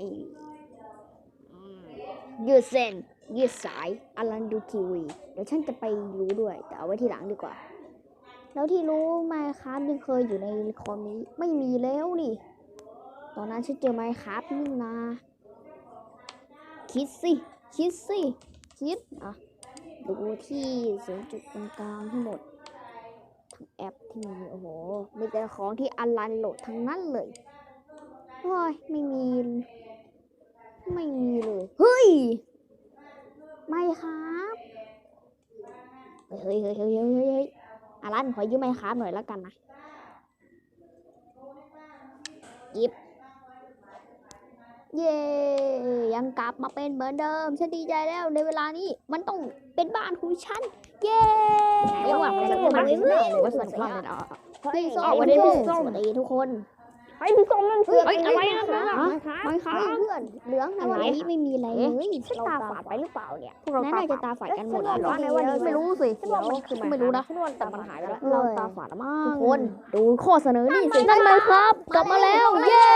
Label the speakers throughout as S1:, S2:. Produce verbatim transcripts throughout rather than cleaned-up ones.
S1: ยืดเส้นยืดสายอลันดูทีวีเดี๋ยวฉันจะไปรู้ด้วยแต่เอาไว้ทีหลังดีกว่าแล้วที่รู้ไมค์ครับยังเคยอยู่ในคอมนี้ไม่มีแล้วนี่ตอนนั้นฉันเจอไมค์ครับนี่นาคิดสิคิดสิคิดอ่ะดูที่ศูนย์จุดตรงกลางทั้งหมดทั้งแอปที่มีโอ้โหมีแต่ของที่อลันโหลดทั้งนั้นเลยโอ้ยไม่มีไม่มีเลยเฮ้ยไม่ครับเฮ้ยเฮ้ยเฮ้ยเฮ้ยเฮ้ยเฮ้ยอลันขอยืมไมค์ครับหน่อยแล้วกันนะยิบเย่ยังกลับมาเป็นเหมือนเดิมฉันดีใจแล้วในเวลานี้มันต้องเป็นบ้านของฉันเย่เรียกว่ามันจะมาเรื่อยๆว่าส่วนของเราพี่ส้มวันนี้พี่ส้มสวัสดีทุกคนไอ้พี่ส้มนั่นคืออะไรนะไม่ค่ะเพื่อนเหลืองอะไรไม่มีอะไรไม่มีตาฝาดไปหรือเปล่าเนี่ยพวกเราน่าจะตาฝาดกันหมดแล้วไม่รู้สิไม่รู้นะแต่มันหายไปแล้วเราตาฝาดมากทุกคนดูข้อเสนอนี่สินั่นไหมครับกลับมาแล้วเย้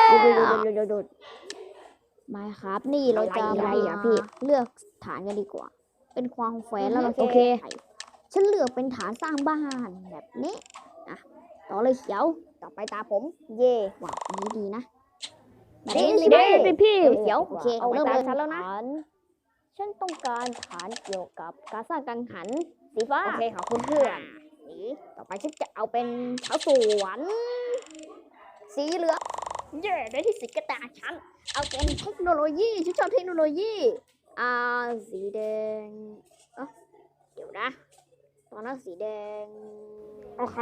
S1: ไม่ครับนี่เราจะอะไรอ่ะพี่เลือกฐานกันดีกว่าเป็นความแฝงแล้วเราโอเคฉันเลือกเป็นฐานสร้างบ้านแบบนี้นะต่อเลยเขียวต่อไปตาผมเย่ว้าวนี้ดีนะแบบนี้เลยพี่เขียวโอเคเริ่มเลยฉันแล้วนะฉันต้องการฐานเกี่ยวกับการสร้างกังหันสีฟ้าโอเคขอบคุณเพื่อนสีต่อไปฉันจะเอาเป็นชาวสวนสีเหลืองเย่ได้ที่สีกระดาษฉันเอาเป็นเทคโนโลยีฉันชอบเทคโนโลยีอ่าสีแดงเออเดี๋ยวนะตอนนั้นสีแดงโอเค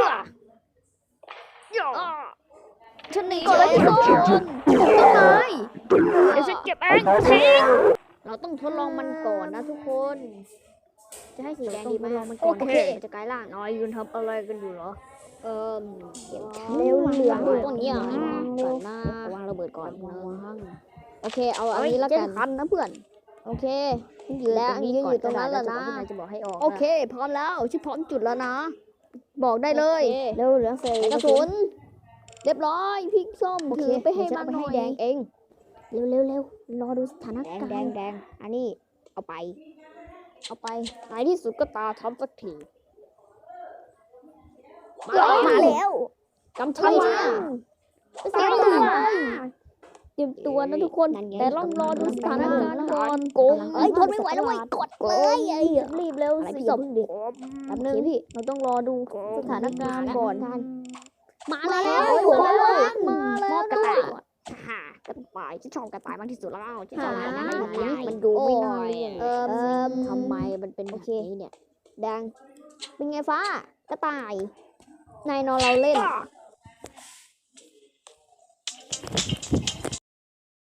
S1: ฉันหนีก่อนแล้วทุกคนต้นไม้เดี๋ยวฉันเก็บเองทิ้งเราต้องทดลองมันก่อนนะทุกคนจะให้สีแดงดีไหมโอเคจะกลายร่างน้อยยืนทำอะไรกันอยู่เหรอเออเดี๋ยวเร็วเหลืองต้นนี้อ่ะก่อนหน้าวางระเบิดก่อนวางโอเคเอาอันนี้แล้วกันทันนะเพื่อนโอเคยืนตรงนี้ก่อนอยู่ตรงนั้นแล้วนะจะบอกให้ออกโอเคพร้อมแล้วชิพร้อมจุดแล้วนะบอกได้เลยเร็วเหลืองเซลกระสุนเรียบร้อยพริกส้มถือไปให้มันหน่อยแดงเองเร็วเร็วเร็วรอดูสถานการณ์แดงแดงอันนี้เอาไปเอาไปในที่สุดก็ตาทำสักทีมาแล้วกำชัยนะเตรียมตัวเตรียมตัวนะทุกคนแต่ต้องรอดูสถานการณ์ก่อนโกงเอ้ยทนไม่ไหวแล้วเว้ยกดเลยไอ้รีบเร็วสิจบแป๊บนึงพี่เราต้องรอดูสถานการณ์ก่อนมาแล้วมาแล้วมาแล้วกระต่ายฮ่ากระต่ายฉันชอบกระต่ายมากที่สุดแล้วฉันชอบมันมันดูไม่น้อยเออทำไมมันเป็นแบบนี้เนี่ยแดงเป็นไงฟ้ากระต่ายนายนอนเราเล่น